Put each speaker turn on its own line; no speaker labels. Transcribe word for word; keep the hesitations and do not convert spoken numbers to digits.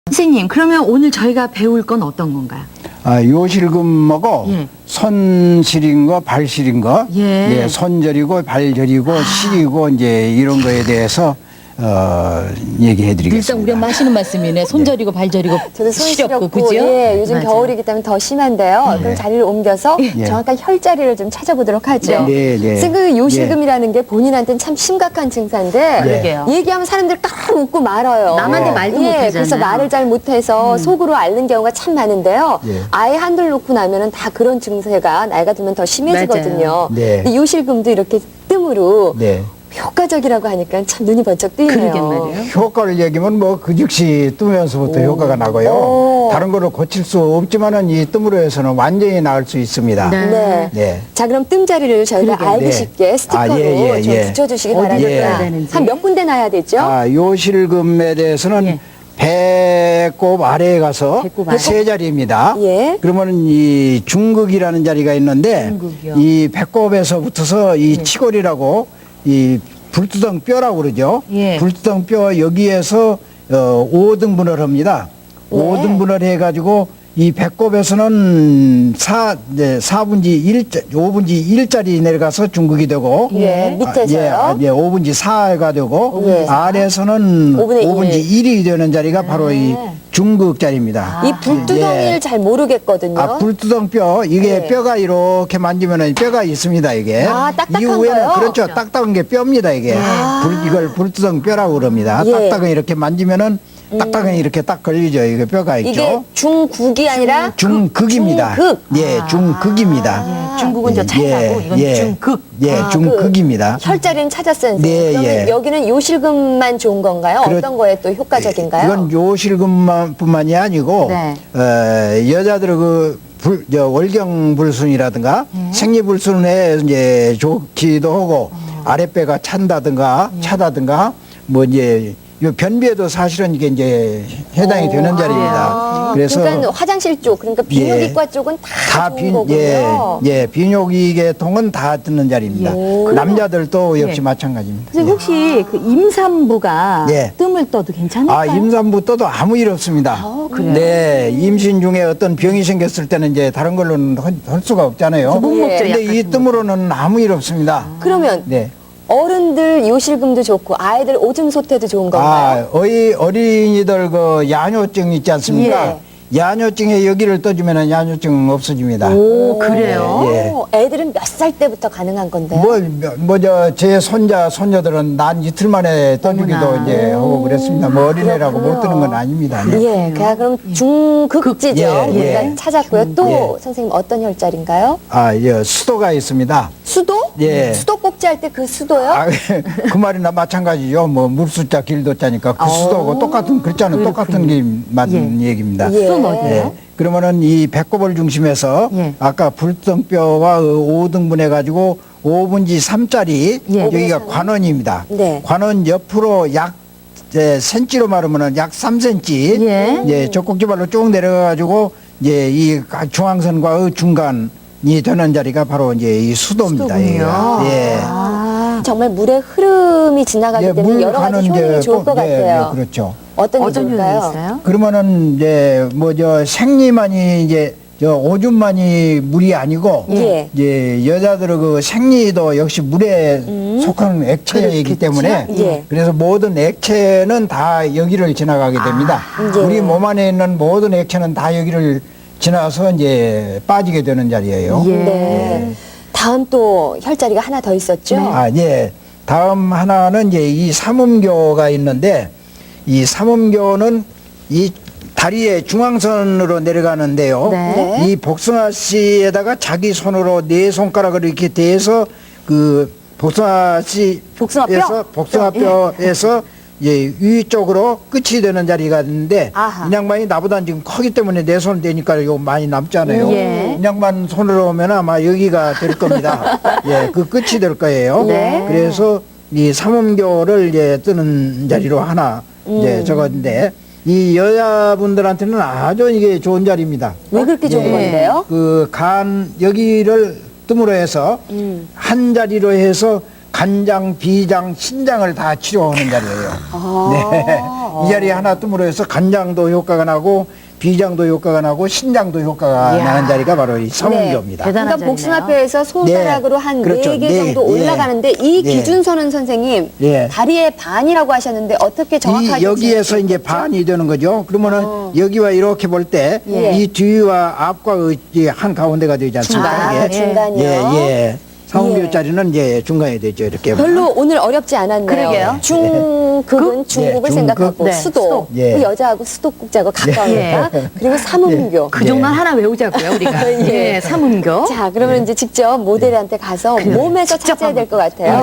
선생님, 그러면 오늘 저희가 배울 건 어떤 건가요?
아, 요실금하고
예.
손실인 거, 발실인 거,
예.
예, 손절이고 발절이고 실이고 이제 이런 거에 대해서 어, 얘기해드리겠습니다.
일단 우리 엄마 하시는 말씀이네. 손절이고 발절이고
저도
시렵고
손시렵고,
그죠?
예, 요즘
맞아요.
겨울이기 때문에 더 심한데요. 그럼 자리를 옮겨서
예.
정확한 혈자리를 좀 찾아보도록 하죠.
네, 네.
선생님, 그 요실금이라는 게 본인한테는 참 심각한 증사인데
그러게요.
얘기하면 사람들 딱 웃고 말아요.
남한테 말도
예,
못하잖아요.
그래서 말을 잘 못해서 속으로 앓는 경우가 참 많은데요.
예.
아예 한둘 놓고 나면은 다 그런 증세가 나이가 들면 더 심해지거든요.
맞아요.
네.
근데 요실금도 이렇게 뜸으로
네.
효과적이라고 하니까 참 눈이 번쩍 뜨이네요.
그러게 말이에요.
효과를 얘기하면 뭐 그 즉시 뜨면서부터 효과가 나고요.
오.
다른 거를 고칠 수 없지만은 이 뜸으로 해서는 완전히 나을 수 있습니다.
네.
네.
네.
자, 그럼 뜸자리를 저희가
그러게요.
알기
네.
쉽게 스티커로
아, 예, 예,
좀
예.
붙여주시기
어디다
바랍니다.
써야
되는지.
한 몇 군데 놔야 되죠?
아, 요실금에 대해서는
예.
배꼽 아래에 가서
배꼽 아래.
세 자리입니다.
예.
그러면은 이 중극이라는 자리가 있는데
중극이요.
이 배꼽에서 붙어서 이 치골이라고 이 불두덩 뼈라고 그러죠.
예.
불두덩 뼈 여기에서 어, 오 등분을 합니다.
네.
오 등분을 해가지고 이 배꼽에서는 사, 네, 사분지 일, 오분지 일짜리 내려가서 중극이 되고
예, 밑에서요?
아, 예, 아, 예, 오분지 사가 되고
예.
아래에서는
오분의 일.
오분지 일이 되는 자리가 바로 이 중극 자리입니다.
이 불두덩이를
예.
잘 모르겠거든요.
아, 불두덩 뼈, 이게
네.
뼈가 이렇게 만지면은 뼈가 있습니다, 이게.
아, 딱딱한
이후에는
거요?
그렇죠. 딱딱한 게 뼈입니다, 이게. 불, 이걸 불두덩 뼈라고 그럽니다.
예.
딱딱한 이렇게 만지면은 딱딱한 이렇게 딱 걸리죠. 이게 뼈가 있죠.
이게 중국이 아니라
중극입니다.
중극.
예, 중극입니다.
예, 중국은 저 차이나고 이건 중극.
예,
아,
중극입니다.
그 혈자리는 찾았어요, 선생님.
네,
그러면
예.
여기는 요실금만 좋은 건가요?
그렇-
어떤 거에 또 효과적인가요?
이건 요실금뿐만이 아니고
네.
어, 여자들의 그 불, 저 월경불순이라든가
네.
생리불순에 이제 좋기도 하고
어.
아랫배가 찬다든가
네.
차다든가 뭐 이제 요 변비에도 사실은 이게 이제 해당이 되는 자리입니다.
아,
그래서
그러니까 화장실 쪽, 그러니까 비뇨기과 쪽은 다,
다
좋은
비,
거군요.
예, 예, 비뇨기 계통은 다 듣는 자리입니다.
예.
남자들도 역시
예.
마찬가지입니다.
선생님, 혹시 그 임산부가
예.
뜸을 떠도 괜찮을까요?
아, 임산부 떠도 아무 일 없습니다.
아, 그래요?
네, 임신 중에 어떤 병이 생겼을 때는 이제 다른 걸로는 할, 할 수가 없잖아요.
못
먹죠,
근데
약
이
같은
뜸으로는 아무 일 없습니다.
그러면
네.
어른들 요실금도 좋고 아이들 오줌 소태도 좋은 건가요?
아, 어이, 어린이들 그 야뇨증 있지 않습니까?
예.
야뇨증에 여기를 떠주면 야뇨증 없어집니다.
오, 그래요?
예.
오, 애들은 몇 살 때부터 가능한 건데요?
뭐, 뭐, 저, 제 손자, 손녀들은 난 이틀 만에 떠주기도
어머나.
이제 하고 그랬습니다. 뭐 어린애라고 못 뜨는 건 아닙니다. 네.
예, 그냥 그럼 중극지죠.
예,
우리가
예.
찾았고요. 또
예.
선생님 어떤 혈자리인가요?
아, 예, 수도가 있습니다.
수도?
예.
수도 꼭지 할 때 그 수도요?
아, 그 말이나 마찬가지죠. 뭐, 물수자, 길도자니까 그 수도고 똑같은, 글자는 똑같은 게 맞는 얘기입니다.
예.
수도는 어디예요?
예. 그러면은 이 배꼽을 중심해서
예.
아까 불등뼈와 오 등분 해가지고 오분지 삼짜리
예.
여기가
오분지
관원입니다.
네.
관원 옆으로 약 예, 센치로 말하면은 약 삼 센치
예.
예, 젖꼭지발로 쭉 내려가지고 이제 이 중앙선과 중간이 되는 자리가 바로 이제 이 수도입니다.
수도군요.
여기가. 예.
아,
정말 물의 흐름이 지나가기
예,
때문에 여러 가지 효능이 좋을 것
예,
같아요.
예, 그렇죠.
어떤 게
어떤 효능이
좋을까요?
있어요?
그러면은 이제 뭐 저 생리만이 이제 저 오줌만이 물이 아니고
예.
이제 여자들의 그 생리도 역시 물에 속하는 액체이기
그렇겠죠?
때문에
예.
그래서 모든 액체는 다 여기를 지나가게 됩니다.
예.
우리 몸 안에 있는 모든 액체는 다 여기를 지나서 이제 빠지게 되는 자리예요.
예.
네. 다음 또 혈자리가 하나 더 있었죠?
아, 예. 다음 하나는 이제 이 삼음교가 있는데 이 삼음교는 이 다리의 중앙선으로 내려가는데요.
네.
네.
이 복숭아 씨에다가 자기 손으로 네 손가락을 이렇게 대서 그 복숭아 씨
복숭아뼈?
에서 복숭아뼈에서 예, 위쪽으로 끝이 되는 자리가 있는데
아하.
이 양반이 나보다 지금 크기 때문에 내 손 대니까 이거 많이 남잖아요.
예.
이 양반 손으로 오면 아마 여기가 될 겁니다. 예, 그 끝이 될 거예요.
네.
그래서 이 삼음교를 이제 뜨는 자리로 하나 이제 적었는데 이 여자분들한테는 아주 이게 좋은 자리입니다.
왜 그렇게 좋은
예.
건데요?
그 간 여기를 뜸으로 해서
음.
한 자리로 해서 간장, 비장, 신장을 다 치료하는 자리예요.
아.
네. 이 자리에 하나 뜸으로 해서 간장도 효과가 나고 비장도 효과가 나고 신장도 효과가
이야.
나는 자리가 바로 이 삼음교입니다.
네. 대단한
그러니까
자리네요.
복숭아뼈에서 손가락으로 한
그렇죠.
네 개
네,
정도
네.
올라가는데 이
네.
기준선은 선생님
네.
다리의 반이라고 하셨는데 어떻게 정확하게
이 여기에서 이제
지어주셨죠?
반이 되는 거죠. 그러면은 여기와 이렇게 볼 때 이
예.
뒤와 앞과 한 가운데가 되지 않습니까?
아,
이게?
중간이요?
예, 예. 삼음교짜리는 이제 중간이 되죠. 이렇게.
별로 오늘 어렵지 않았네요.
그러게요.
중급은 중국을
네,
생각하고
네.
수도,
수도. 예.
그 여자하고 수도국자하고 가까우니까 그리고 삼음교.
그 정도는 하나 외우자고요, 우리가.
예.
예, 삼음교.
자, 그러면 이제 직접 모델한테 가서 몸에서
직접
찾아야 될 것 같아요.